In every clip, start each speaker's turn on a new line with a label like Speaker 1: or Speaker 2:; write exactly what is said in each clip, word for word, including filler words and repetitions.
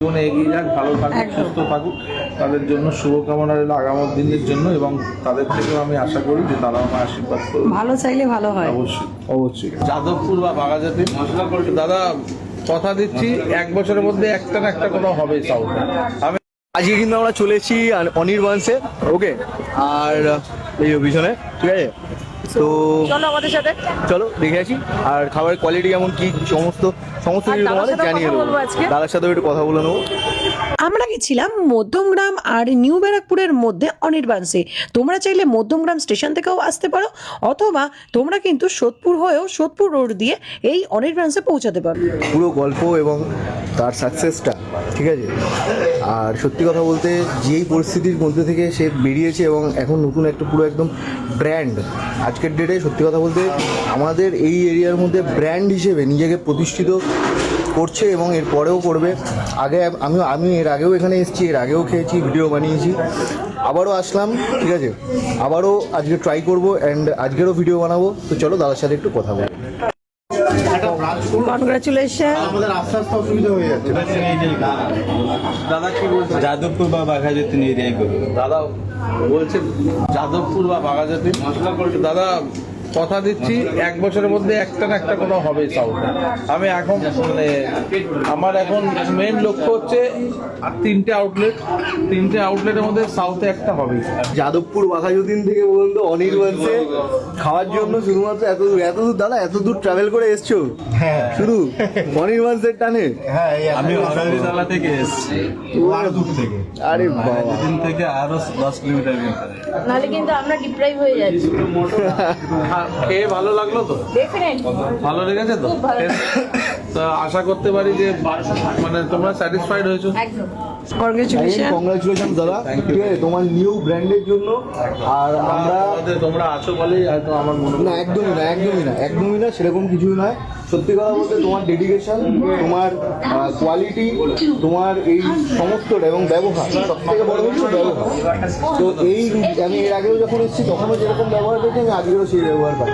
Speaker 1: জীবনে এগিয়ে যাক, ভালো থাকুক, সুস্থ থাকুক, তাদের জন্য শুভকামনা রইল আগামী দিনের জন্য। এবং তাদের থেকেও আমি আশা করি যে তারা আমার আশীর্বাদ করবে।
Speaker 2: ভালো চাইলে ভালো হয়।
Speaker 1: অবশ্যই অবশ্যই। যাদবপুর বা বাঘাজাতি দাদা কথা দিচ্ছি, এক বছরের মধ্যে একটা না একটা কোনো হবে সাউথে। আমি
Speaker 3: আজকে কিন্তু আমরা চলে এসেছি অনির্বাণসে, ওকে, আর এই পিছনে, ঠিক আছে, তো
Speaker 2: চলো আমাদের সাথে,
Speaker 3: চলো দেখে আসি। আর খাবারের কোয়ালিটি কেমন কি সমস্ত সমস্ত কিছু তোমাদের জানিয়ে দেবো। দাদার সাথেও একটু কথা বলে নেবো।
Speaker 2: আমরা গেছিলাম মধ্যমগ্রাম আর নিউ ব্যারাকপুরের মধ্যে অনির্বাণসে। তোমরা চাইলে মধ্যমগ্রাম স্টেশন থেকেও আসতে পারো, অথবা তোমরা কিন্তু সোদপুর হয়েও সোদপুর রোড দিয়ে এই অনির্বাণসে পৌঁছাতে পারো।
Speaker 3: পুরো গল্প এবং তার সাকসেসটা, ঠিক আছে। আর সত্যি কথা বলতে যেই পরিস্থিতির মধ্যে থেকে সে বেরিয়েছে এবং এখন নতুন একটা পুরো একদম ব্র্যান্ড, আজকের ডেটে সত্যি কথা বলতে আমাদের এই এরিয়ার মধ্যে ব্র্যান্ড হিসেবে নিজেকে প্রতিষ্ঠিত করছে এবং এর পরেও করবে। আগে আমি আমি এর আগেও এখানে এসেছি, এর আগেও খেয়েছি, ভিডিও বানিয়েছি, আবারও আসলাম, ঠিক আছে, আবারও আজকে ট্রাই করবো অ্যান্ড আজকেরও ভিডিও বানাবো। তো চলো দাদার সাথে একটু কথা বলি।
Speaker 2: কনগ্রাচুলেশন।
Speaker 3: আমাদের আস্তে আস্তে অসুবিধা হয়ে যাচ্ছে।
Speaker 1: দাদা কি বলছে?
Speaker 4: যাদবপুর বা বাঘাজাতি এরিয়াই করবে।
Speaker 1: দাদা বলছে যাদবপুর বা বাঘাজাতি দাদা কথা দিচ্ছি, এক বছরের মধ্যে একটা না একটা কোনো হবে সাউথে। আমি এখন মানে আমার এখন মেন লক্ষ্য হচ্ছে আর তিনটে আউটলেট, তিনটে আউটলেটের মধ্যে সাউথে একটা হবে।
Speaker 3: যাদবপুর বাঘাযতীন থেকে বলুন তো অনির্বাণসে খাওয়ার জন্য শুধুমাত্র এত দূর এত দূর দাদা এত দূর ট্রাভেল করে এসছো? হ্যাঁ, শুধু অনির্বাণসের টানে?
Speaker 4: হ্যাঁ, আমি হরদালা থেকে এসেছি, আরো দূর থেকে।
Speaker 3: আরে বাবা,
Speaker 4: দিন থেকে আরো দশ কিলোমিটার ভিতরে।
Speaker 5: নাহলে কিন্তু আমরা ডিপ্রাইভ হয়ে যাচ্ছি।
Speaker 1: খেয়ে ভালো লাগলো তো?
Speaker 5: ডেফিনেটলি
Speaker 1: ভালো লেগেছে তো? তা আশা করতে পারি যে মানে তোমরা স্যাটিসফাইড হয়েছো।
Speaker 5: একদম।
Speaker 2: কনগ্রাচুলেশন।
Speaker 3: কংগ্রাচুলেশন দাদা, ঠিক আছে, তোমার নিউ ব্র্যান্ডের জন্য। আর আমরা
Speaker 1: আমাদের তোমরা আছো বলেই হয়তো আমার মনে
Speaker 3: না, একদমই না, একদমই না, একদমই না, সেরকম কিছুই নয়। সত্যি কথা বলতে তোমার ডেডিকেশন, তোমার কোয়ালিটি, তোমার এই সমস্তটা এবং ব্যবহার, সব থেকে বড় হচ্ছে ব্যবহার। তো এই আমি এর আগেও যখন এসেছি তখনও যেরকম ব্যবহার পেয়েছি আমি আজকেও সেই ব্যবহার পাই।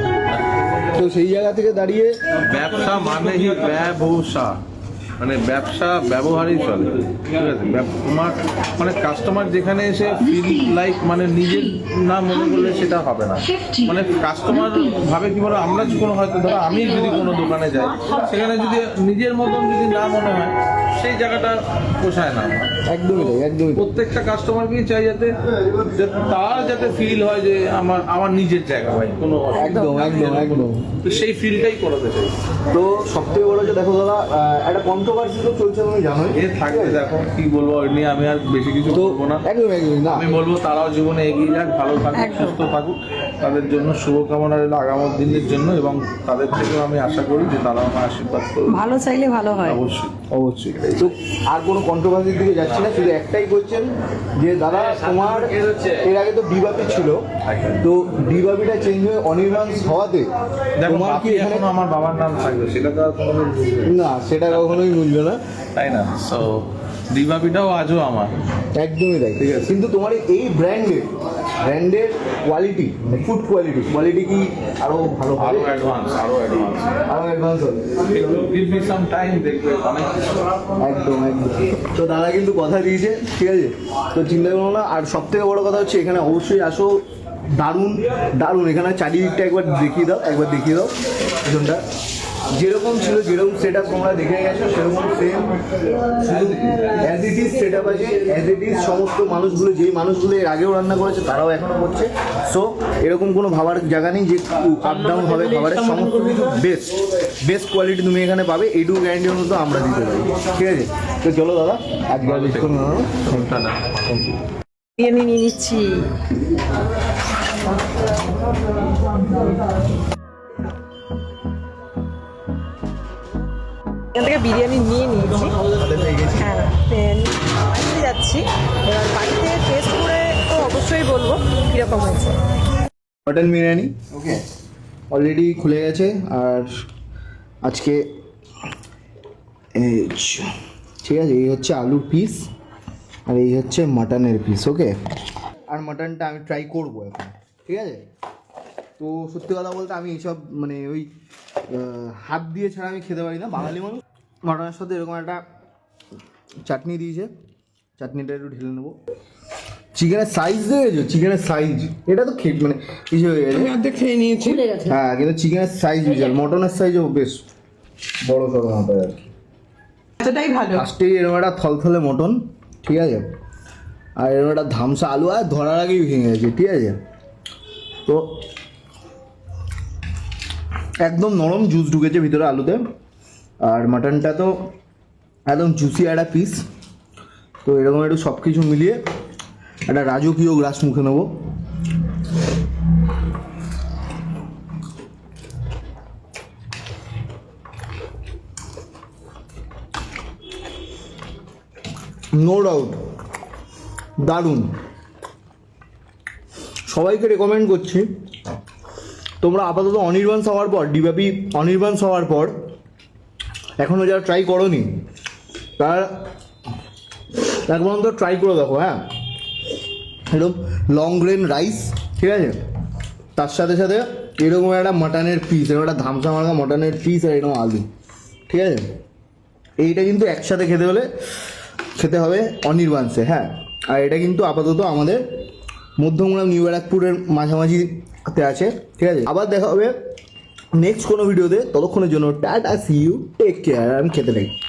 Speaker 3: তো সেই জায়গা থেকে দাঁড়িয়ে
Speaker 1: ব্যবসা মানেই ব্যবসা, মানে ব্যবসা ব্যবহারই চলে, ঠিক আছে। ব্যব- তোমার মানে কাস্টমার যেখানে এসে ফিল লাইক মানে নিজের না মনে করলে সেটা হবে না। মানে কাস্টমার ভাবে কি বলো, আমরা কোনো হয়তো ধরো আমি যদি কোনো দোকানে যাই, সেখানে যদি নিজের মতন যদি না মনে হয় সেই জায়গাটা পোষায় না আমার।
Speaker 3: একদমই তাই, একদমই তাই।
Speaker 1: প্রত্যেকটা কাস্টমারকেই চাই যাতে যাতে তার যাতে ফিল হয় যে আমার আমার নিজের জায়গা ভাই, কোনো
Speaker 3: একদম একদম একদম।
Speaker 1: তো সেই ফিলটাই করাতে চাই।
Speaker 3: তো সব থেকে বড় যে দেখো দাদা, আহ, একটা কন্ট্রোভার্সি তো চলছে, তুমি জানোই।
Speaker 1: এ থাকবে, দেখো কি বলবো, ওই নিয়ে আমি আর বেশি কিছু
Speaker 3: তো
Speaker 1: বলবো না।
Speaker 3: একদম একদম না,
Speaker 1: আমি বলবো তারাও জীবনে এগিয়ে যাক, ভালো থাকুক,
Speaker 2: একদম।
Speaker 1: সুস্থ থাকুক, তাদের জন্য শুভকামনা রইল আগামী দিনের জন্য। এবং তাদের থেকেও আমি আশা করি যে তারা আমার আশীর্বাদ করবে।
Speaker 2: ভালো চাইলে ভালো হয়।
Speaker 1: অবশ্যই
Speaker 3: অবশ্যই। তো আর কোনো কন্ট্রোভার্সির দিকে যাচ্ছি না, শুধু একটাই বলছেন যে দাদা তোমার এর আগে তো ডিবাপি ছিল, তো ডিবাপিটা চেঞ্জ হয়ে অনির্বাণ হওয়াতে
Speaker 1: দেখো,
Speaker 3: তোমার কি
Speaker 1: বাপি
Speaker 3: এখানে
Speaker 1: এখনো আমার বাবার নাম থাকবে, সেটা তো আর কোনোদিন বুঝবে না,
Speaker 3: না, সেটা কখনোই বুঝবে না।
Speaker 1: তাই না? সো দিবাপিটাও আজও আমার।
Speaker 3: একদমই তাই, ঠিক আছে। কিন্তু তোমার এই ব্র্যান্ডের ব্র্যান্ডের কোয়ালিটি, ফুড কোয়ালিটি কোয়ালিটি কি আরো ভালো
Speaker 1: আরো
Speaker 3: হবে?
Speaker 1: অ্যাডভান্স, আরো অ্যাডভান্স,
Speaker 3: আরো অ্যাডভান্স হবে?
Speaker 1: গিভ মি সাম টাইম, দেখবে অনেক কিছু।
Speaker 3: একদম একদম। তো দাদা কিন্তু কথা দিয়েছে, ঠিক আছে, তো চিন্তা করো না। আর সব থেকে বড় কথা হচ্ছে এখানে অবশ্যই আসো, দারুণ দারুণ। এখানে চারিদিকটা একবার দেখিয়ে দাও, একবার দেখিয়ে দাও পিছনটা, যেরকম ছিল যেরকম সেট আপ তোমরা দেখে গেছো সেরকম সেম, শুধু as it is set up আছে, অ্যাজ ইট ইজ সমস্ত মানুষগুলো, যেই মানুষগুলো এর আগেও রান্না করেছে তারাও এখনও করছে। সো এরকম কোনো ভাবার জায়গা নেই যে আপ ডাউন হবে খাবারের, সমস্ত কিছু বেস্ট বেস্ট কোয়ালিটি তুমি এখানে পাবে, এইটুকু গ্যারান্টি মতো আমরা দিতে পারি, ঠিক আছে। তো চলো দাদা, আজকে আর বেশিক্ষণ না, থ্যাংক ইউ।
Speaker 2: বিরিয়ানি নিয়ে নিচ্ছি। এখান থেকে বিরিয়ানি নিয়ে নিয়েছি, হ্যাঁ, বাড়িতে যাচ্ছি এবার। বাড়িতে টেস্ট করে তো অবশ্যই বলবো কীরকম হয়েছে।
Speaker 3: মটন বিরিয়ানি ওকে অলরেডি খুলে গেছে। আর আজকে এই চ- ঠিক আছে, এই হচ্ছে আলুর পিস আর এই হচ্ছে মাটনের পিস, ওকে। আর মাটনটা আমি ট্রাই করবো এখন, ঠিক আছে। তো সত্যি কথা বলতে আমি এইসব মানে ওই আহ, হাত দিয়ে ছাড়া আমি খেতে পারি না, বাঙালি মানুষ। মাটনের সাথে এরকম একটা চাটনি দিয়েছে, চাটনিটা একটু ঢেলে নেবো। চিকেনের সাইজ দেখেছো, চিকেনের সাইজ এটা তো খেয়ে মানে কিছু হয়ে গেছে,
Speaker 1: অর্ধেক খেয়ে নিয়েছি।
Speaker 5: ভুলে গেছে
Speaker 3: হ্যাঁ কিন্তু চিকেনের সাইজ বিশাল, মটনের সাইজও বেশ বড় সড়ো মাথায় আর কি।
Speaker 2: সেটাই ভালো।
Speaker 3: ফার্স্টেই এরকম একটা থলথলে মটন, ঠিক আছে, আর এরকম একটা ধামসা আলু, আর ধরার আগেই ভেঙে গেছে, ঠিক আছে। তো একদম নরম জুস ঢুকেছে ভিতরে আলুতে, আর মাটনটা তো একদম জুসি একটা পিস। তো এরকম একটু সব কিছু মিলিয়ে একটা রাজকীয় গ্রাস মুখে নেবো। নো ডাউট দারুণ, সবাইকে রেকমেন্ড করছি। তোমরা আপাতত অনির্বাণ হওয়ার পর, ডিবাপি অনির্বাণ হওয়ার পর এখনও যারা ট্রাই করোনি তারা একবার তো ট্রাই করে দেখো। হ্যাঁ, এরকম লং গ্রেন রাইস, ঠিক আছে, তার সাথে সাথে এরকম একটা মাটনের পিস, এরকম একটা ধামসা মার্কা মাটনের পিস, আর এরকম আলু, ঠিক আছে। এইটা কিন্তু একসাথে খেতে হলে খেতে হবে অনির্বাণসে। হ্যাঁ, আর এটা কিন্তু আপাতত আমাদের মধ্যমগ্রাম নিউ ব্যারাকপুরের মাঝামাঝিতে আছে, ঠিক আছে। আবার দেখা হবে নেক্সট কোনো ভিডিওতে, ততক্ষণের জন্য tata, see you, take care, আমি খেতে থাকি।